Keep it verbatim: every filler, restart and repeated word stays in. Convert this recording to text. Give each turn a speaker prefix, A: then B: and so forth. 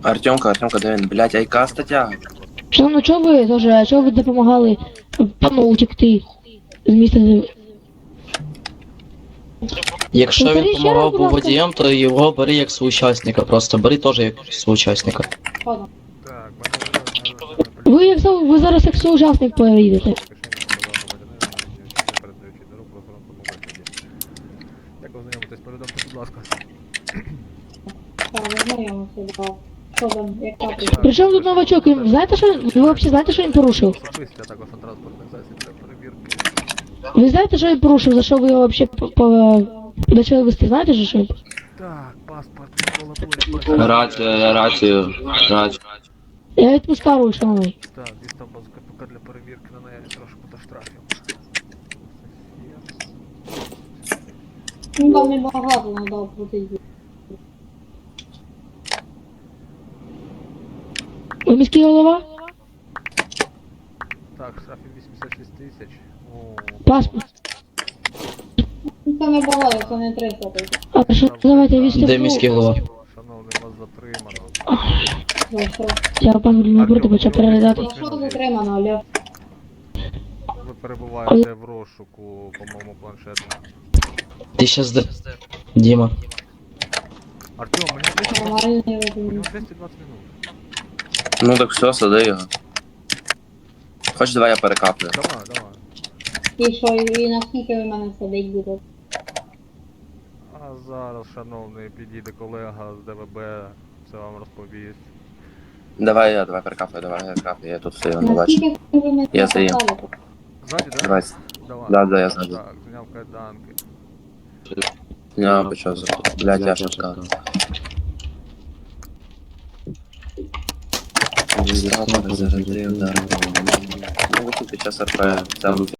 A: Артемка, Артемка, де він? Блядь, айка стаття.
B: Шановно, чого ви теж, чого ви допомагали пану утекти з міста?
C: Якщо він
B: Повтори ще
C: допомагав
B: раз, будь
C: був
B: ласка.
C: водієм, то його бери як соучасника, просто бери теж як соучасника.
D: Так, мене
B: Ви як со- ви зараз як соучасник поїдете.
D: Як ознайомитись, повідомте, будь ласка.
E: Так, знайомився, да. Що там, як так?
B: Причому тут новачок, він- знаєте, що він, ви взагалі знаєте, що він порушив?
D: Особисті, а також на транспортних засіб для перевірки.
B: Ви знаєте, що він порушив, за що ви його взагалі по- по- почали вести, знаєте, що що він?
D: Так, паспорт, Микола Пулик.
A: Рацію, рацію, рацію.
B: Я відпускаю, шановний.
D: Так, дістав базу КПК для перевірки на наявність розшуку та штрафів.
E: Ну там небагато надав платити.
B: Ви міський голова?
D: Так, штрафів вісімдесят шість тисяч. О,
B: Паспорт.
E: Ну це небагато, це не триста тисяч.
B: А що, давайте візьте.
C: Де міський голова?
D: шановний, вас затримано.
E: За що?
B: Я пан напроти почав переглядати.
E: За що затримано, Олег?
D: Ви перебуваєте в розшуку по моєму планшету.
C: Ти щас де? Діма.
D: Артем, мені двісті
E: Нормальний
D: у нього
E: розумію.
D: двісті двадцять минут.
A: Ну так все, сади його. Хоч давай я перекаплю.
D: Давай, давай.
E: І що, і наскільки ви мене садить будете?
D: А зараз, шановний, підійде колега з ДВБ, все вам розповість.
A: Давай я, давай перекаплю, давай я перекаплю, я тут стою, не бачу.
E: Наскільки ви мене
A: Я стою.
E: посадите?
D: Ззаді, так?
A: Давай.
D: Давай.
A: Да, да, я ззаді.
D: Так, зняв кайданки.
A: Я почав за... Блядь, я що сказав. Зразу перезарядив, да. Ну, тут під час РП, це